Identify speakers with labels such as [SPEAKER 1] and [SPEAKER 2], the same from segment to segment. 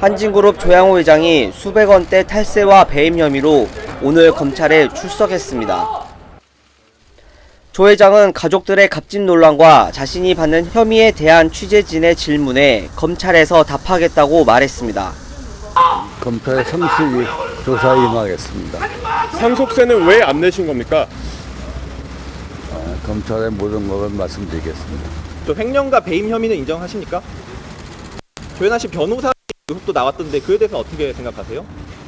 [SPEAKER 1] 한진그룹 조양호 회장이 수백 원대 탈세와 배임 혐의로 오늘 검찰에 출석했습니다. 조 회장은 가족들의 갑질 논란과 자신이 받는 혐의에 대한 취재진의 질문에 검찰에서 답하겠다고 말했습니다.
[SPEAKER 2] 검찰의 성실히 조사에 임하겠습니다.
[SPEAKER 3] 상속세는 왜 안 내신 겁니까?
[SPEAKER 2] 검찰의 모든 것을 말씀드리겠습니다.
[SPEAKER 4] 또 횡령과 배임 혐의는 인정하십니까? 조현아 씨 변호사 의혹도 나왔던데 그에 대해서 어떻게 생각하세요?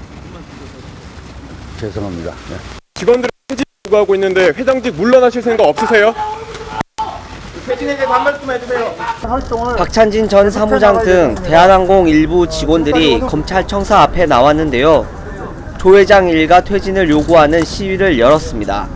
[SPEAKER 2] 죄송합니다. 네.
[SPEAKER 3] 직원들이 퇴직 요구하고 있는데 회장직 물러나실 생각 없으세요?
[SPEAKER 4] 퇴진에 대해서 한 말씀 해주세요.
[SPEAKER 1] 박찬진 전 사무장 등 대한항공 일부 직원들이 검찰청사 앞에 나왔는데요. 조 회장 일가 퇴진을 요구하는 시위를 열었습니다.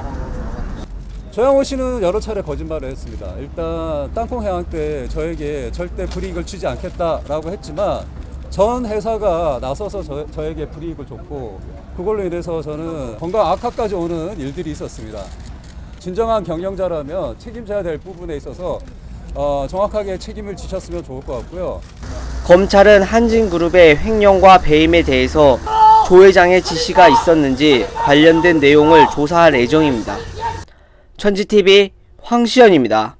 [SPEAKER 5] 조양호 씨는 여러 차례 거짓말을 했습니다. 일단 땅콩 해양 때 저에게 절대 불이익을 주지 않겠다라고 했지만 전 회사가 나서서 저에게 불이익을 줬고 그걸로 인해서 저는 건강 악화까지 오는 일들이 있었습니다. 진정한 경영자라면 책임져야 될 부분에 있어서 정확하게 책임을 지셨으면 좋을 것 같고요.
[SPEAKER 1] 검찰은 한진그룹의 횡령과 배임에 대해서 조 회장의 지시가 있었는지 관련된 내용을 조사할 예정입니다. 천지TV 황시연입니다.